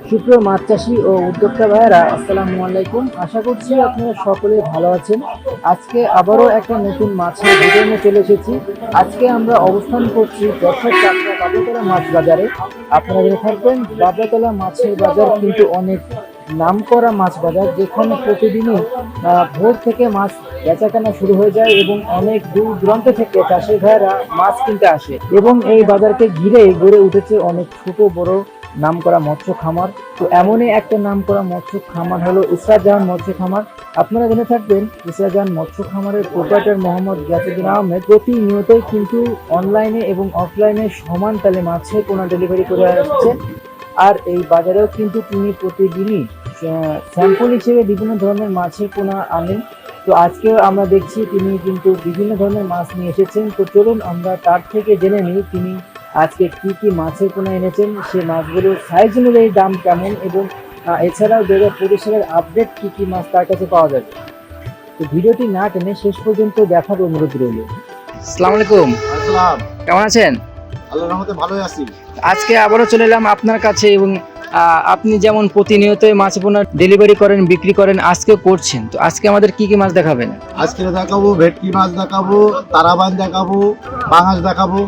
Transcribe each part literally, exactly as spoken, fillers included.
সুপ্রিয় মাছ চাষি ও উদ্যোক্তা ভাইয়েরা, আসসালামু আলাইকুম। আশা করছি আপনারা সকলে ভালো আছেন। আজকে আবারও একটা নতুন মাছের ভিডিও নিয়ে চলে এসেছি। আজকে আমরা অবস্থান করছি যশোর চাকরা বাবলাতলা মাছ বাজারে। আপনারা জেনে থাকবেন বাবলাতলা মাছের বাজার কিন্তু অনেক নামকরা মাছ বাজার, যেখানে প্রতিদিনই ভোর থেকে মাছ বেচাকেনা শুরু হয়ে যায় এবং অনেক দূর দূরান্ত থেকে চাষি ভাইয়েরা মাছ কিনতে আসে। এবং এই বাজারকে ঘিরে গড়ে উঠেছে অনেক ছোট বড় নামকরা মৎস্য খামার। তো এমনই একটা নামকরা মৎস্য খামার হলো ইসরাত জাহান মৎস্য খামার। আপনারা জেনে থাকবেন ইসরাত জাহান মৎস্য খামারের প্রোপাইটার মোহাম্মদ গিয়াসউদ্দিন আহমেদ প্রতিনিয়তই কিন্তু অনলাইনে এবং অফলাইনে সমান তালে মাছের পোনা ডেলিভারি করে আসছেন। আর এই বাজারেও কিন্তু তিনি প্রতিদিনই স্যাম্পল হিসেবে বিভিন্ন ধরনের মাছের পোনা আনেন। তো আজকেও আমরা দেখছি তিনি কিন্তু বিভিন্ন ধরনের মাছ নিয়ে এসেছেন। তো চলুন আমরা তার থেকে জেনে নিই তিনি আজকে কি কি মাছের পোনা এনেছেন, সে মাছগুলোর সাইজ অনুযায়ী দাম কেমন, এবং এছাড়াও দু হাজার পঁচিশ সালের আপডেট কি কি মাছ তার কাছে পাওয়া যাবে। তো ভিডিওটি না টেনে শেষ পর্যন্ত দেখার অনুরোধ রইল। আসসালামু আলাইকুম। আসসালাম। কেমন আছেন? আল্লাহর রহমতে ভালোই আছি। আজকে আবারও চলে এলাম আপনার কাছে, এবং আপনি যেমন প্রতিনিয়তই মাছ পোনা ডেলিভারি করেন, বিক্রি করেন, আজকে করছেন। তো আজকে আমাদের কি কি মাছ দেখাবেন? আজকে দেখাবো ভেটকি মাছ দেখাবো, তারাবান দেখাবো, পাঙাশ দেখাবো।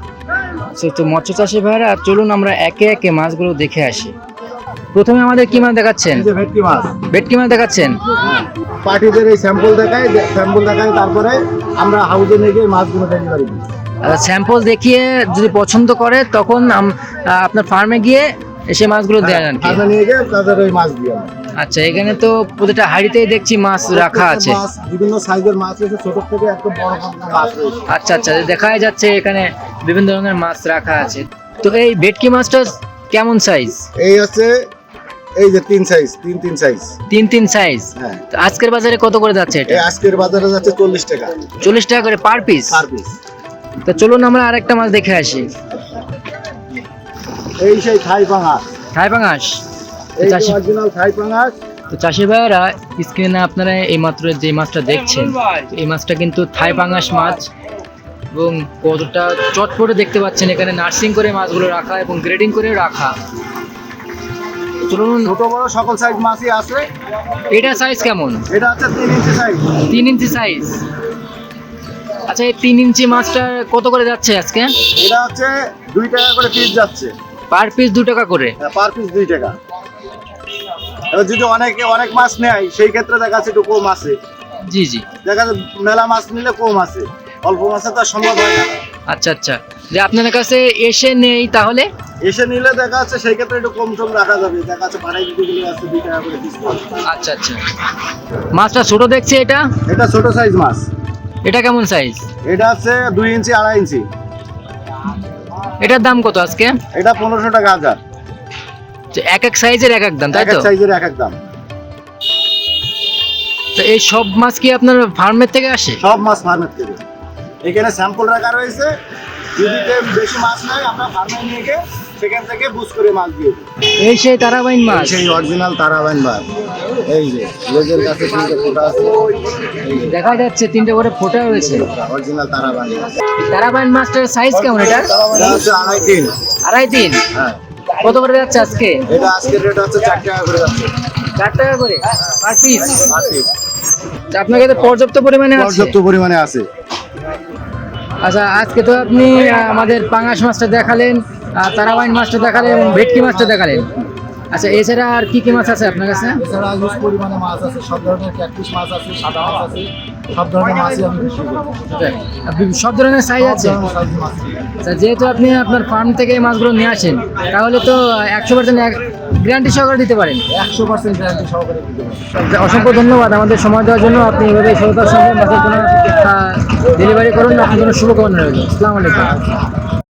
তো মৎস্য চাষি ভাইরা, চলুন আমরা একে একে মাছগুলো দেখে আসি। প্রথমে আমাদের কি মাছ দেখাচ্ছেন? এই যে ভেটকি মাছ। ভেটকি মাছ দেখাচ্ছেন। পার্টিদের এই স্যাম্পল দেখাই, স্যাম্পল দেখাই, তারপরে আমরা হাউজে নিয়ে গিয়ে মাছগুলো ডেলিভারি দিই। স্যাম্পল দেখিয়ে যদি পছন্দ করে তখন আপনার ফার্মে গিয়ে এসে মাছগুলো দেন আর কি। ফার্মে নিয়ে গিয়ে তাদের ওই মাছ দিই আমরা। আচ্ছা, এখানে তো প্রতিটা হাঁড়িতেই দেখছি মাছ রাখা আছে। বিভিন্ন সাইজের মাছ আছে, ছোট থেকে একদম বড় পর্যন্ত মাছ রয়েছে। আচ্ছা আচ্ছা, দেখাই যাচ্ছে এখানে বিভিন্ন ধরনের মাছ রাখা আছে। তো এই ভেটকি মাছটা কেমন সাইজ? এই আছে এই যে তিন সাইজ, তিন তিন সাইজ, তিন তিন সাইজ। হ্যাঁ। তো আজকের বাজারে কত করে যাচ্ছে এটা? এই আজকের বাজারে যাচ্ছে চল্লিশ টাকা। চল্লিশ টাকা করে পার পিস? Per piece. তো চলুন আমরা আরেকটা মাছ দেখে আসি। এই সেই থাই পাঙাশ। থাই পাঙাশ। এই অরিজিনাল থাই পাঙাশ। তো চাষি ভাইয়েরা, স্ক্রিনে আপনারা এই মাত্র যে মাছটা দেখছেন, এই মাছটা কিন্তু থাই পাঙাশ মাছ, এবং কতটা চটপটে দেখতে পাচ্ছেন। এখানে নার্সিং করে মাছগুলো রাখা এবং গ্রেডিং করে রাখা। চলুন, ছোট বড় সকল সাইজ মাছই আছে। এটা সাইজ কেমন? এটা হচ্ছে তিন ইঞ্চি সাইজ। তিন ইঞ্চি সাইজ। আচ্ছা, এই তিন ইঞ্চি মাছটা কত করে যাচ্ছে আজকে? এটা হচ্ছে দুই টাকা করে পিস যাচ্ছে। পার পিস দু টাকা করে? হ্যাঁ, পার পিস দুই টাকা। এবার যদি অনেকে অনেক মাছ নেয় সেই ক্ষেত্রে দেখা যাচ্ছে একটু কম আছে। জি জি, দেখা যাচ্ছে মেলা মাছ নিলে কম আছে, অল্প মাছে তো আর সম্ভব হয় না। আচ্ছা আচ্ছা, যে আপনাদের কাছে এসে নেই তাহলে? এসে নিলে দেখা যাচ্ছে সেই ক্ষেত্রে একটু কম টম রাখা যাবে। দেখা যাচ্ছে পাড়াই দিতে গেলে আছে দুই টাকা করে পিস। আচ্ছা আচ্ছা, মাছটা ছোট দেখছি। এটা এটা ছোট সাইজ মাছ। এটা কেমন সাইজ? এটা হচ্ছে দুই ইঞ্চি আড়াই ইঞ্চি। এটার দাম কত আজকে? এটা পনেরোশো টাকা হাজার। এক এক সাইজের এক এক দাম, তাই এক তো? এক সাইজের এক এক দাম। তো এই সব মাছ কি আপনার ফার্মের থেকে আসে? সব মাছ ফার্মের থেকে। এখানে স্যাম্পল রাখা রয়েছে, যদি কেউ বেশি মাছ নেয় আমরা ফার্মে নিয়ে গিয়ে সেখান থেকে বুঝ করে মাছ দিয়ে দিই। এই সেই তারাবাইন মাছ? সেই অরিজিনাল তারাবাইন মাছ। এই যে লেজের কাছে তিনটে ফোঁটা আছে, দেখা যাচ্ছে তিনটে করে ফোঁটা রয়েছে। অরিজিনাল তারাবাইন মাছ। তারাবাইন মাছটার সাইজ কেমন? এটা এটা হচ্ছে আড়াই তিন। আড়াই তিন? হ্যাঁ। কত করে যাচ্ছে আজকে? এটা আজকের রেট হচ্ছে চার টাকা করে যাচ্ছে। চার টাকা করে পার পিস? Per piece. আপনার কাছে পর্যাপ্ত পরিমাণে আছে? পর্যাপ্ত পরিমাণে আছে। আচ্ছা, আজকে তো আপনি আমাদের পাঙাশ মাছটা দেখালেন, তারাবাইন মাছটা দেখালেন এবং ভেটকি মাছটা দেখালেন। আচ্ছা, এছাড়া আর কি কি মাছ আছে আপনার কাছে? এছাড়া হিউজ পরিমাণে মাছ আছে, সব ধরনের ক্যাটফিশ মাছ আছে, সাদা মাছ আছে, সব ধরনের মাছই আমি বিক্রি করি। সব ধরনের সাইজ আছে? আচ্ছা, যেহেতু আপনি আপনার ফার্ম থেকে এই মাছগুলো নিয়ে আসেন, তাহলে তো একশো পার্সেন্ট গ্যারান্টি সহকারে দিতে পারেন? একশো পার্সেন্ট গ্যারান্টি সহকারে দিতে পারি। অসংখ্য ধন্যবাদ আমাদের সময় দেওয়ার জন্য। আপনি এভাবে সততার সঙ্গে মাছের কোনো ডেলিভারি করুন। আপনার জন্য শুভকামনা রইল। আসসালামু আলাইকুম।